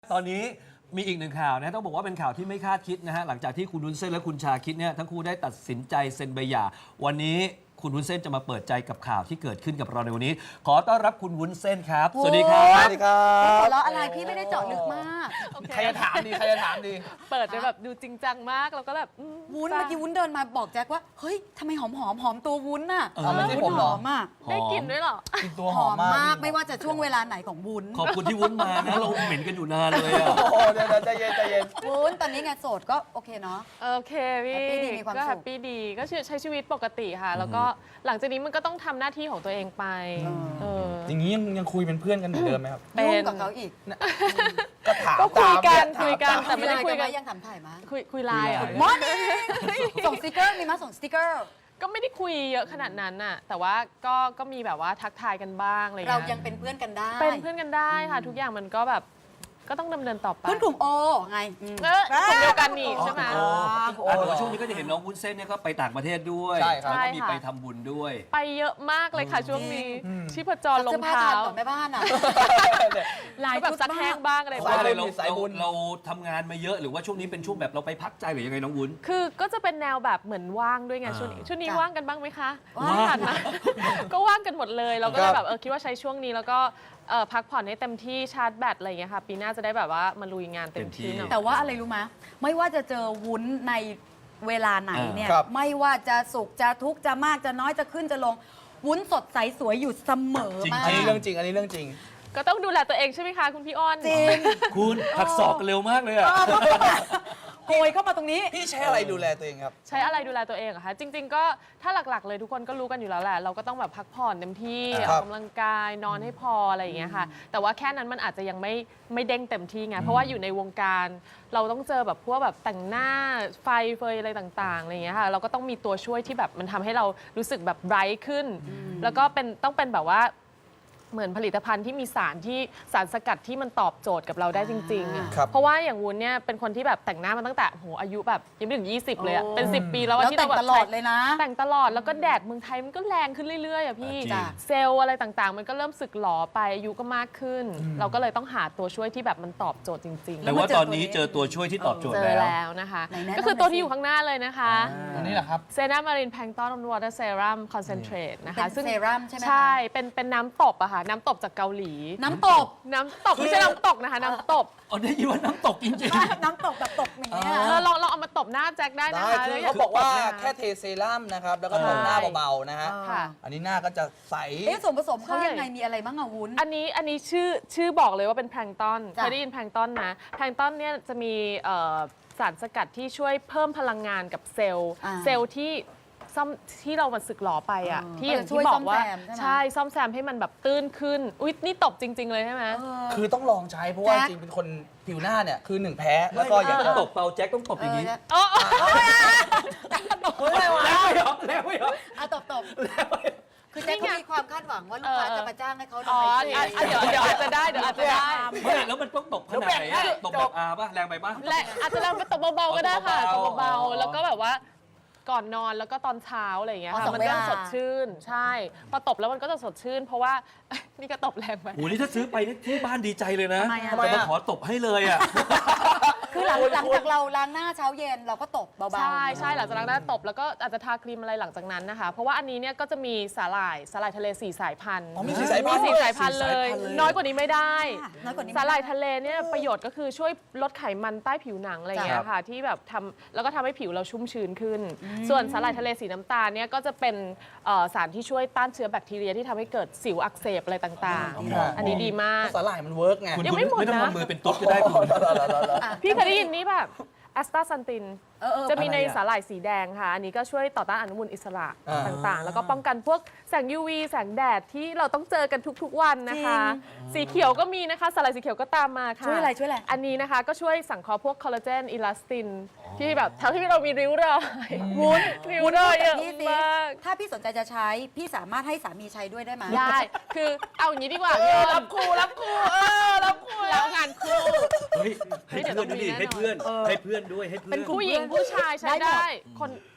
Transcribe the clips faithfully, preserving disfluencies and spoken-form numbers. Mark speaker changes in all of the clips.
Speaker 1: ตอนนี้มีอีกหนึ่งข่าวนะต้องบอกว่าเป็นข่าวที่ไม่คาดคิดนะฮะหลังจากที่คุณวุ้นเส้นและคุณชาคิดเนี่ยทั้งคู่ได้ตัดสินใจเซ็นใบหย่าวันนี้คุณวุ้นเส้นจะมาเปิดใจกับข่าวที่เกิดขึ้นกับเราในวันนี้ขอต้อนรับคุณวุ้นเส้นครับสวัสดีครับ
Speaker 2: สวัสดีครับ
Speaker 3: หัวเราะอะไรพี่ไม่ได้เจาะลึกมาก
Speaker 2: ใครจะถามดีใครจะถามดี
Speaker 4: เปิดไปแบบดูจริงจังมากแล้วก็แบบอืม
Speaker 3: วุ้น
Speaker 4: จ้ะ
Speaker 3: เมื่อกี้วุ้นเดินมาบอกแจ็คว่าเฮ้ยทำไมหอมหอมหอมตัววุ้นน่ะ
Speaker 1: เออ
Speaker 2: ไม่ใช่
Speaker 3: วุ้
Speaker 2: ผม
Speaker 3: น
Speaker 2: เห
Speaker 3: ห
Speaker 2: รอ
Speaker 3: อมอ่ะ
Speaker 4: ได้กลิ่นด้วยเหรอ
Speaker 2: กินตัวห
Speaker 3: ห
Speaker 2: อ
Speaker 3: อ
Speaker 2: ม
Speaker 3: ม
Speaker 2: มาก
Speaker 3: มากไม่ว่าจะช่วงเวลาไหนของวุ้น
Speaker 1: ขอบคุณที่วุ้นมานะเราเหม็นกันอยู่นานเลยอะ
Speaker 2: โอ้โหเดี๋ยวๆใจเย็นใจเย็น
Speaker 3: วุ้นตอนนี้ไงโสดก็โอเคเนาะ
Speaker 4: โอเคพี่
Speaker 3: แฮปปี้ดีมีความ
Speaker 4: ก็
Speaker 3: สุข
Speaker 4: แฮปปี้ดีก็ใช้ชีวิตปกติค่ะ แล้วก็หลังจากนี้มันก็ต้องทำหน้าที่ของตัวเองไปเออ
Speaker 2: อย่างนี้ยังยังคุยเป็นเพื่อนกันเหมือนเดิมไหมครับ
Speaker 4: เป็น
Speaker 3: ยุ่งกับเขาอีก
Speaker 2: ก็ถาม
Speaker 4: ก็คุยกัน
Speaker 2: ตาม
Speaker 4: คุยกัน
Speaker 2: ถาม
Speaker 4: แต่ไม่ได้คุยกัน
Speaker 3: หยังถามถ่ายมา
Speaker 4: คุยคุยไลน์เหรอ่ะ
Speaker 3: มอนี่ส่งสติกเกอร์มีมาส่งสติกเกอร์
Speaker 4: ก็ไม่ได้คุยเยอะขนาดนั้นน่ะแต่ว่าก็ก็มีแบบว่าทักทายกันบ้างอะไร
Speaker 3: เรา
Speaker 4: เงี้ย
Speaker 3: ยังเป็นเพื่อนกันได้
Speaker 4: เป็นเพื่อนกันได้ค่ะ ทุกอย่างมันก็แบบก็ต้องดำเนินต่อไป
Speaker 3: เพื่อนกลุ่มโอไงอืม
Speaker 4: เออกลุ่มเดียวกันนี่ใช่ไหม
Speaker 1: อ๋ออ่ะแต่ว่าช่วงนี้ก็จะเห็นน้องวุ้นเส้นเนี่ยก็ไปต่างประเทศด้วย
Speaker 2: ใช่ครับ
Speaker 1: แล้วก็มี
Speaker 4: ใช่ค่ะ
Speaker 1: ไปทำบุญด้วย
Speaker 4: ไปเยอะมากเลยค่ะช่วงนี้ชีพจรล
Speaker 3: เสื้
Speaker 4: ง
Speaker 3: อผ้า
Speaker 4: เท้า
Speaker 3: ทานก่อนแม่บ้านอ่ะ
Speaker 4: ลายแบบซักแห้งบ้างอะไร
Speaker 1: เพราะ
Speaker 4: บ้าง
Speaker 1: อะไรเรา
Speaker 2: สายบุญ
Speaker 1: เราเราทำงานมาเยอะหรือว่าช่วงนี้เป็นช่วงแบบเราไปพักใจหรือยังไงน้องวุ้น
Speaker 4: คือก็จะเป็นแนวแบบเหมือนว่างด้วยไง
Speaker 1: อ่า
Speaker 4: ช่วงนี้ช่วงนี้
Speaker 3: จ้ะ
Speaker 4: ว่างกันบ้างไหมคะ
Speaker 3: ว่าง
Speaker 4: ไม่ทันนะ ก็ว่างกันหมดเลย เราก็เล
Speaker 2: ครั
Speaker 4: ย
Speaker 2: บ
Speaker 4: แบบเออคิดว่าใช้ช่วงนี้แล้วก็เอ่อพักผ่อนให้เต็มที่ชาร์จแบตอะไรอย่างเงี้ยค่ะปีหน้าจะได้แบบว่ามาลุยงานเต็มที่หน่อย
Speaker 3: แต่ว่าอะไรรู้ไหมไม่ว่าจะเจอวุ้นในเวลาไหนเนี่ย
Speaker 2: ครับ
Speaker 3: ไม่ว่าจะสุขจะทุกข์จะมากจะน้อยจะขึ้นจะลง วุ้นสดใสสวยอยู่เสมอมา
Speaker 2: อันนี้
Speaker 3: ก
Speaker 2: เรื่องจริง อันนี้เรื่องจริง
Speaker 4: ก็ต้องดูแลตัวเองใช่ไหมคะคุณพี่อ้อน
Speaker 3: จริง
Speaker 1: คุณหักศอกกันเร็วมากเลยอะ
Speaker 3: โกยเข้ามาตรงนี้
Speaker 2: พี่ใช้อะไรดูแลตัวเองครับ
Speaker 4: ใช้อะไรดูแลตัวเองเหรอะคะจริง ๆ ก็ถ้าหลักๆ เลยทุกคนก็รู้กันอยู่แล้วแหละเราก็ต้องแบบพักผ่อนเต็มที่
Speaker 2: ค
Speaker 4: อ
Speaker 2: รั
Speaker 4: อบ กกำลังกายนอนให้พออะไรอย่างเงี้ยค่ะ แต่ว่าแค่นั้นมันอาจจะยังไม่ไม่เด้งเต็มที่ไงเพราะว่าอยู่ในวงการเราต้องเจอแบบพวกแบบแต่งหน้าไฟเฟยอะไรต่างๆอะไรอย่างเงี้ยค่ะเราก็ต้องมีตัวช่วยที่แบบมันทำให้เรารู้สึกแบบไบรท์ขึ้น แล้วก็เป็นต้องเป็นแบบว่าเหมือนผลิตภัณฑ์ที่มีสารที่สารสกัดที่มันตอบโจทย์กับเราได้จริงๆอะ
Speaker 2: ครับ
Speaker 4: เพราะว่าอย่างวุ้นเนี่ยเป็นคนที่แบบแต่งหน้ามาตั้งแต่โหอายุแบบยังไม่ถึงยี่สิบเลยอะ
Speaker 3: โอ้
Speaker 4: เป็นสิบปีแล้วอะ
Speaker 3: แล้ว
Speaker 4: ที่
Speaker 3: แต่
Speaker 4: เรา
Speaker 3: ง
Speaker 4: แบบ
Speaker 3: ตลอดเลยนะ
Speaker 4: แต่งตลอดแล้วก็แดดเมืองไทยมันก็แรงขึ้นเรื่อยๆอะพี่
Speaker 1: จริง
Speaker 3: จ้ะ
Speaker 4: เซลล์อะไรต่างๆ มันก็เริ่มสึกหลอไปอายุก็มากขึ้น เราก็เลยต้องหาตัวช่วยที่แบบมันตอบโจทย์จริงๆ
Speaker 1: แต่ว่าตอนนี้เจอตัวช่วยที่ตอบโจท
Speaker 4: เจ
Speaker 1: ย์
Speaker 4: อ
Speaker 1: แล้ว
Speaker 4: แล้วนะคะ
Speaker 3: ไหนแนะนำ
Speaker 4: ก็คือตัว
Speaker 3: หน่อยสิ
Speaker 4: ที่อยู่ข้างหน้าเลยนะคะ
Speaker 2: อันนี้แหละครับ
Speaker 4: เซนามารินแพงต้อนวอเตอร์เซรั่มคอนเซนเทรตนะคะ
Speaker 3: เป็นเซรั่มใช่ไหมคะ
Speaker 4: ใช่ เป็นเป็นน้ำตบอะค่ะ น้ำตบจากเกาหลี
Speaker 3: น้ำตก
Speaker 4: น้ำตบไม่ใช่น้ำตกนะคะ น้ำตบ
Speaker 1: อ๋อได้ยินว่าน้ำตกจริง
Speaker 3: น้ำตกแบบตกอย่างเงี้ย
Speaker 4: เออลองลองเอามาตบหน้าแจ็คได้นะ
Speaker 2: ได้
Speaker 4: คะ
Speaker 2: คือ
Speaker 4: แล้วย่
Speaker 2: เขาบอกว่า
Speaker 4: ตบหน้
Speaker 2: แค่เทเซรั่มนะครับ แล้วก็
Speaker 4: ใช่
Speaker 2: ทำหน้าเบาๆนะฮะ
Speaker 3: อ่า
Speaker 4: ค่ะ
Speaker 2: อันนี้หน้าก็จะใส
Speaker 3: เอ๊ะส่วนผสมเขา
Speaker 4: ใช่
Speaker 3: ยังไงมีอะไรบ้างอะวุ้น
Speaker 4: อันนี้อันนี้ชื่อชื่อบอกเลยว่าเป็นแพลงก์ตอน
Speaker 3: จ้ะ
Speaker 4: เคยได้ยินแพลงก์ตอนนะแพลงก์ตอนเนี่ยจะมีเอ่อสารสกัดที่ช่วยเพิ่มพลังงานกับเซลล์
Speaker 3: อ่า
Speaker 4: เซลล์ที่ซ่อมที่เรามันสึกหลอไปอ่ะ
Speaker 3: เออ
Speaker 4: ที่อย่าง
Speaker 3: ก็จะช่วย
Speaker 4: ที่บอกว่า
Speaker 3: ซ่อมแซมใช่ไหม
Speaker 4: ใช่ซ่อมแซมให้มันแบบตื้นขึ้นอุ๊ยนี่ตบจริง ๆ เลยใช่ไหม
Speaker 3: เออ
Speaker 2: คือต้องลองใช้เพราะว่า
Speaker 3: แจ็ค
Speaker 2: จริงๆเป็นคนผิวหน้าเนี่ยคือหนึ่งแพ้
Speaker 1: ๆ
Speaker 2: แล้วก็อยาก
Speaker 1: ไม่
Speaker 2: จะ
Speaker 1: ต้องตบเปาแจ็คต้องตบอย่างนี้
Speaker 3: เออ
Speaker 4: โอ้
Speaker 1: แล้วไม่ยอมแล้วไม่ยอม
Speaker 3: เอาตบตบคือแจ็คเขามีความคาดหวังว่าลูกค้าจะมาจ้างให้เขา
Speaker 4: อ๋อ
Speaker 3: ทำไม
Speaker 4: อ่ะอ่ะเดี๋ยวเดี๋ยวอาจจะได้เดี๋ยวอาจจะได้
Speaker 1: ไม่แล้วมันต้องตบขนาดไหนอะตบแบบอาป่ะแรงไปป่ะ
Speaker 4: และอาจจะเราไปตบเบาๆก็ได้ค่ะ
Speaker 1: ต
Speaker 4: ต
Speaker 1: บบ เบา
Speaker 4: เบา
Speaker 1: ๆ
Speaker 4: ๆแล้วก็แบบว่าก่อนนอนแล้วก็ตอนเช้าอะไรอย่างเงี้ย
Speaker 3: อ๋อ
Speaker 4: ค่ะ
Speaker 3: สอง
Speaker 4: มันก็
Speaker 3: เวลา
Speaker 4: สดชื่นใช่ พอตบแล้วมันก็จะสดชื่น เพราะว่า นี่ก็ตบแรงไป
Speaker 1: โอ้โหนี่ถ้าซื้อไปนี่ที่บ้านดีใจเลยนะ
Speaker 3: ทำไมอะ
Speaker 1: แต่มาขอตบให้เลยอะ
Speaker 3: คือหลังหลังจากเราล้างหน้าเช้าเย็นเราก็ตบเบาๆ
Speaker 4: ใช่ใช่หลังจากนั้นได้ตบแล้วก็อาจจะทาครีมอะไรหลังจากนั้นนะคะ เพราะว่าอันนี้เนี่ยก็จะมีสาหร่ายสาหร่ายทะเลสี่สายพันธุ์
Speaker 2: อ๋อมีสีสายพัน
Speaker 4: มี
Speaker 2: ธุ์
Speaker 4: สี่
Speaker 2: ด้วย
Speaker 4: สายพันธุ์เลย
Speaker 1: สี่สายพันธุ์เลย
Speaker 4: น้อยกว่านี้ไม่ได้
Speaker 3: น้อยกว่านี้
Speaker 4: สาหร่ายทะเลเนี่ยประโยชน์ก็คือช่วยลดไขมันใต้ผิวหนังอะไรอย่างเงี้ยค่ะที่แบบทำแล้วก็ทำให้ผิวเราชุ่มชื้นขึ้น ส่วนสาหร่ายทะเลสีน้ำตาลเนี่ยก็จะเป็นเอ่อสารที่ช่วยต้านเชื้อแบคทีเรียที่ทำให้เกิดสิวอักเสบอะไรต่าง
Speaker 2: อ๋อ
Speaker 4: ๆ อันนี้ดีมาก
Speaker 2: สาหร่ายมันเวิร์กไง
Speaker 1: คุณ
Speaker 4: ยัง
Speaker 1: คุณ
Speaker 4: ไม่หมด
Speaker 1: ไม่ต้อง
Speaker 4: นะ
Speaker 1: ทำมือเป็นตุ๊ดก็ได้คุณ
Speaker 3: อ่ะ
Speaker 4: พี่เคยได้ยินนี่แบบแอสตาซันติน
Speaker 3: เออเออ
Speaker 4: จะมีใน
Speaker 1: อะไรอะ
Speaker 4: สาหร่ายสีแดงค่ะ อันนี้ก็ช่วยต่อต้านอนุมูลอิสระ
Speaker 2: อ่า
Speaker 4: ต่างๆ แล้วก็ป้องกันพวกแสง ยู วี แสงแดดที่เราต้องเจอกันทุกๆวันนะคะ สีเขียวก็มีนะคะ สาหร่ายสีเขียวก็ตามมาค่ะ
Speaker 3: ช่วยอะไรช่วยอะไร
Speaker 4: อันนี้นะคะก็ช่วยสังเคราะห์พวกคอลลาเจนอิลาสตินที่แบบทำให้เรามีริ้วรอย
Speaker 3: วุ้น
Speaker 4: ริ้ว
Speaker 3: วุ้น
Speaker 4: รอย
Speaker 3: พูด
Speaker 4: เย
Speaker 3: กับ
Speaker 4: อะ
Speaker 3: พี่สิ
Speaker 4: มาก
Speaker 3: ถ้าพี่สนใจจะใช้ พี่สามารถให้สามีใช้ด้วยได้ไหม
Speaker 4: ได้ คือเอาอย่างนี้ดีกว่าพี่รับคู่รับคู่เออรับคู่แล้วงานคู่
Speaker 1: เฮ้ยให้เพื่อนดูดิให้เพื่อนให้เพื่อนด้วยให้เพื่อน
Speaker 4: ผู้หญิงผู้ชายใช้
Speaker 3: ได้หมด
Speaker 4: ได้ คน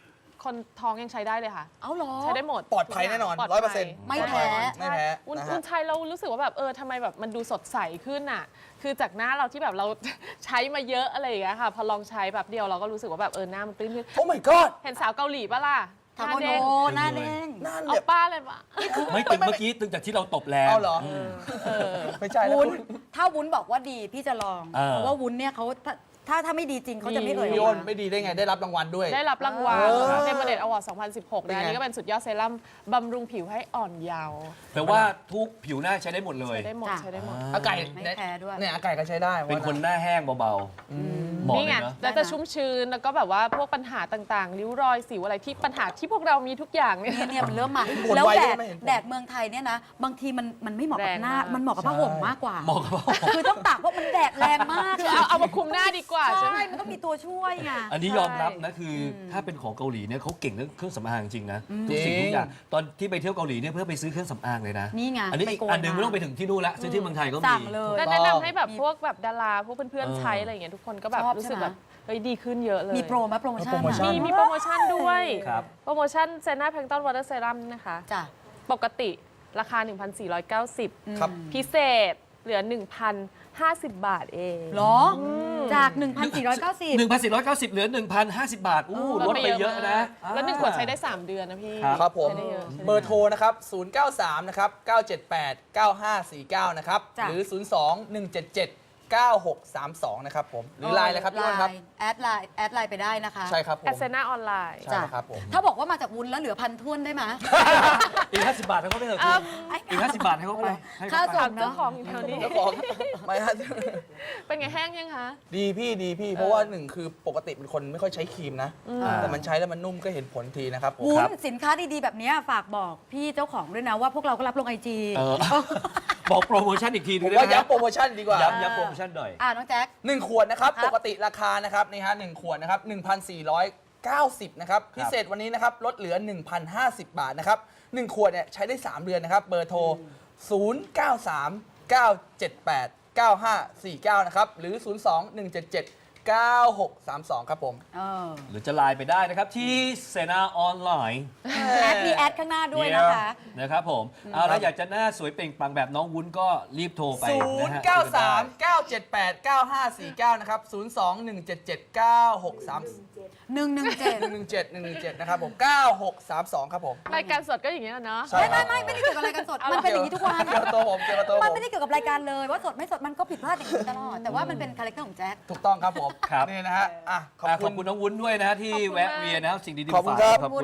Speaker 4: คนท้องยังใช้ได้เลยค่ะ
Speaker 3: เอาเหรอ
Speaker 4: ใช้ได้หมด
Speaker 2: ปลอดภัยแน่นอน
Speaker 4: ปลดภั
Speaker 2: ร้อยเปอร์เซ็นต์
Speaker 3: ไม่แพ้
Speaker 2: ไม่แพ้
Speaker 4: วุ้น
Speaker 2: นะ
Speaker 4: วุ้
Speaker 2: ฮะ
Speaker 4: นใช้เรารู้สึกว่าแบบเออทำไมแบบมันดูสดใสขึ้นอ่ะ คือจากหน้าเราที่แบบเรา ใช้มาเยอะอะไรอย่างเงี้ยค่ะ พอลองใช้แบบเดียวเราก็รู้สึกว่าแบบเออหน้ามันปริ้นขึ้น
Speaker 2: โอ้ my god
Speaker 4: เห็นสาวเกาหลีปะล่ะห
Speaker 3: ทา
Speaker 4: น้า
Speaker 3: โมโน
Speaker 4: เด้ง
Speaker 3: หน้าเด้ง
Speaker 2: หน้า
Speaker 4: เอา
Speaker 2: แบบ
Speaker 4: ป้าเลยปะ
Speaker 1: ไม่ตึงเมื่อกี้ตึงจากที่เราตบแรง
Speaker 2: เอาเหรอ
Speaker 1: ม
Speaker 2: ไม่ใช่แล้ว
Speaker 3: วุ้น
Speaker 2: คุณ
Speaker 3: ถ้าวุ้นบอกว่าดีพี่จะลอง
Speaker 1: เออ
Speaker 3: เพราะว่าวุ้นเนี่ยเขาถ้าถ้าถ้าไม่ดีจริงเขาจะไม่เอ่ย
Speaker 2: พี่
Speaker 3: อ
Speaker 2: อ้
Speaker 3: อก
Speaker 2: น
Speaker 3: มา
Speaker 2: ไม่ดีได้ไงได้รับรางวัลด้วย
Speaker 4: ได้รับรางวัล
Speaker 2: เออ
Speaker 4: เดมเดตอวอร์ดสองพันสิบหก
Speaker 2: เป็น
Speaker 4: นะ
Speaker 2: ไง
Speaker 4: อันนี้ก็เป็นสุดยอดเซรั่มบำรุงผิวให้อ่อนเยาว์
Speaker 1: แปลว่าทุกผิวหน้าใช้ได้หมดเลย
Speaker 4: ใช้ได้หมด
Speaker 3: จ้ะ
Speaker 4: ใช้ได้หมด
Speaker 2: อาไก่
Speaker 3: ไม่แพ้ด้วย
Speaker 2: เนี่ยอาไก่ก็ใช้ได้
Speaker 1: เป็นคนหน้าแห้งเบาๆเหมาะ
Speaker 4: นี่
Speaker 1: เล
Speaker 4: ไง
Speaker 1: ยเนาะ
Speaker 4: แล้วจะชุ่มชื้น แล้วก็แบบว่าพวกปัญหาต่างๆ ริ้วรอยสิวอะไรที่ปัญหาที่พวกเรามีทุกอย่างเนี่ย
Speaker 3: เนี่ยเนี่ยมันเริ่มมา
Speaker 2: บ่น
Speaker 3: แล้ว
Speaker 2: ไว
Speaker 3: แด
Speaker 2: ด้
Speaker 3: ด
Speaker 2: ไหมเห็นผล
Speaker 3: แดดเมืองไทยเนี่ยนะ บางทีมันมันไม่เหมาะกับหน้า
Speaker 4: แรงมาก
Speaker 3: มันเหมาะกับผ้าห่มมากกว่า
Speaker 1: เหมาะกับผ้าห่ม
Speaker 3: คือต้องตากเพราะมันแดดแรงมาก
Speaker 4: คือเอาเอามาคุมหน้าดีกว่าใช่
Speaker 3: ใช่
Speaker 4: ไหม
Speaker 3: มันต้องมีตัวช่วยไง
Speaker 1: อันนี้ยอมรับนะคืออถ้าเป็นของเกาหลีเนี่ยเขาเก่งเรื่องเครื่องสำอางจริงนะทุกสิ่งทุกอย่างตอนที่ไปเที่ยวเกาหลีเนี่ยเพื่อไปซื้อเครื่องสำอางเลยนะ
Speaker 3: นี่ไง
Speaker 1: อันนี้
Speaker 3: ไป
Speaker 1: อีก
Speaker 3: โกย
Speaker 1: อันหนึง
Speaker 3: มา
Speaker 1: ไม่ต้องไปถึงที่นู่นละซื้อที่เมืองไทยก็มี
Speaker 3: สั่งเลย
Speaker 4: ก็
Speaker 2: ถูกต้อง
Speaker 4: แนะนำให้แบบพวกแบบดาราพวกเพื่อน
Speaker 1: เออ
Speaker 4: ๆใช้อะไรอย่างเงี้ยทุกคนก็แบบ
Speaker 3: ชอบ
Speaker 4: รู้สึก
Speaker 3: ใช่ไหม
Speaker 4: แบบเฮ้ยดีขึ้นเยอะเลย
Speaker 3: มีโปรไหมโปรโมชั่น
Speaker 2: โปรโมชั่
Speaker 3: อะ
Speaker 4: มีมีโปรโมชั่นด้วย
Speaker 1: ครับ
Speaker 4: โปรโมชั่นเซน่าแพลงต้นวอเตอร์เซรั่มนะคะ
Speaker 3: จ้ะ
Speaker 4: ปกติราคา หนึ่งพันสี่ร้อยเก้าสิบ
Speaker 2: ครับ
Speaker 4: พิเศษเหลือ หนึ่งพันห้าสิบ บาทเอง
Speaker 3: เหรอ จาก หนึ่งพันสี่ร้อยเก้าสิบ
Speaker 1: หนึ่งพันสี่ร้อยเก้าสิบเหลือหนึ่งพันห้าสิบบาทอู้ลดไปเยอะนะ
Speaker 4: แล้วหนึ่งขวดใช้ได้ สาม เดือนนะพี่
Speaker 1: ครับ
Speaker 2: ครับผม
Speaker 4: ใช้ได้เยอะใช้ได้ยอะ
Speaker 2: เบอร์โทรนะครับ ศูนย์ เก้า สาม นะครับ เก้า เจ็ด แปด เก้า ห้า สี่ เก้า นะครับ
Speaker 3: จ้ะ
Speaker 2: หรือ ศูนย์ สอง หนึ่ง เจ็ด เจ็ด เก้า หก สาม สอง นะครับผม หรือไลน์เลยครับพี่อ้นครับ
Speaker 3: ไลน์แอดไลน์แอดไลน์ไปได้นะคะ
Speaker 2: ใช่ครับผม
Speaker 4: แอสเซน่าออนไลน์
Speaker 2: ใช่ครับผม
Speaker 3: ถ้าบอกว่ามาจากวุ้นแล้วเหลือพันท้วนได้ไหม
Speaker 1: อีกห้าสิบบาทให้เขาไปเถอะคุณอีกห้าสิบบาทให้เขาไปให้
Speaker 3: ค่า
Speaker 1: เขาไป
Speaker 3: ส่
Speaker 4: ถาง มเจ้าของอยู่แถวนี้
Speaker 2: แล้วบอกไม่ฮะ
Speaker 4: เป็นไงแห้งยังคะ
Speaker 2: ดีพี่ดีพี่ เพราะว่าหนึ่งคือปกติเป็นคนไม่ค่อยใช้ครีมนะ แต่มันใช้แล้วมันนุ่มก็เห็นผลทีนะครับผม
Speaker 3: วุ้นสินค้าดีๆแบบเนี้ยฝากบอกพี่เจ้าของด้วยนะว่าพวกเราก็รับลงไอจี
Speaker 1: เออบอกโปรโมชั่นอีกทีหนึ
Speaker 2: ผ
Speaker 1: ง
Speaker 2: ม
Speaker 1: ได้
Speaker 2: ว่า
Speaker 1: ไหม
Speaker 2: ย้ำโปรโมชั่นดีกว่า
Speaker 1: ย้ำย้ำโปรโมชั่นหน่อย
Speaker 3: อ่าน้องแจ็ค
Speaker 2: หนึ่งขวดนะครับ
Speaker 3: ครับ
Speaker 2: ปกติราคานะครับนี่ฮะหนึ่งขวดนะครับหนึ่งพันสี่ร้อยเก้าสิบนะครับพิเศษวันนี้นะครับลดเหลือ หนึ่งพันห้าสิบ บาทนะครับหนึ่งขวดเนี่ยใช้ได้ สาม เดือนนะครับเบอร์โทร ศูนย์ เก้า สาม เก้า เจ็ด แปด เก้า ห้า สี่ เก้า นะครับหรือ ศูนย์ สอง หนึ่ง เจ็ด เจ็ด เก้า หก สาม สอง ครับผม
Speaker 3: เออ
Speaker 1: หรือจะไลน์ไปได้นะครับที่เซนาออนไลน์
Speaker 3: แอดมีแอดข้างหน้าด้วยนะคะ
Speaker 1: นะครับผมเอาแล้วอยากจะหน้าสวยเปล่งปลั่งแบบน้องวุ้นก็รีบโทรไป
Speaker 2: ศู
Speaker 1: นะ
Speaker 2: นย์
Speaker 1: ฮะ
Speaker 2: เก้าสามเก้าเจ็ดแปดเก้าห้าสี่เก้า นะครับ ศูนย์ สอง หนึ่ง เจ็ด เจ็ด เก้า หก สาม
Speaker 3: หนึ่งหนึ่งเจ็ด
Speaker 2: หนึ่ง หนึ่ง เจ็ด หนึ่ง หนึ่ง เจ็ด นะครับผม เก้า หก สาม สอง ครับผม
Speaker 4: รายการสดก็อย่างเงี้ยเนาะ
Speaker 2: ใช่
Speaker 3: ไม่ไม่ไม่ไม่ได้เกี่ยวกับรายการสด มันเป็นอย่างนี้ทุกวัน
Speaker 2: เกี่ยวกับตัวผมเกี่ยวกับตัวผ
Speaker 3: มัน
Speaker 2: ม
Speaker 3: ไม่ได้เกี่ยวกับรายการเลยว่าสดไม่สดมันก็ผิดพลาดอย่างนี้ตลอด แต่ว่ามันเป็นคาแรคเตอร์ของแจ็ค
Speaker 2: ถูกต้องครับผม
Speaker 1: ครับ
Speaker 2: นี่นะฮะอ่ะขอบ
Speaker 1: อ่ะข
Speaker 2: คุ
Speaker 1: อบ
Speaker 2: ณ
Speaker 1: คุณน้องวุ้นด้วยนะฮะที่
Speaker 4: ขอบคุณ
Speaker 1: แวะ
Speaker 4: มาก
Speaker 1: เวียนนะครับสิ่งดีๆ
Speaker 2: ขอบคุณ
Speaker 1: มาฝาก
Speaker 2: ครับ
Speaker 1: ขอบคุณ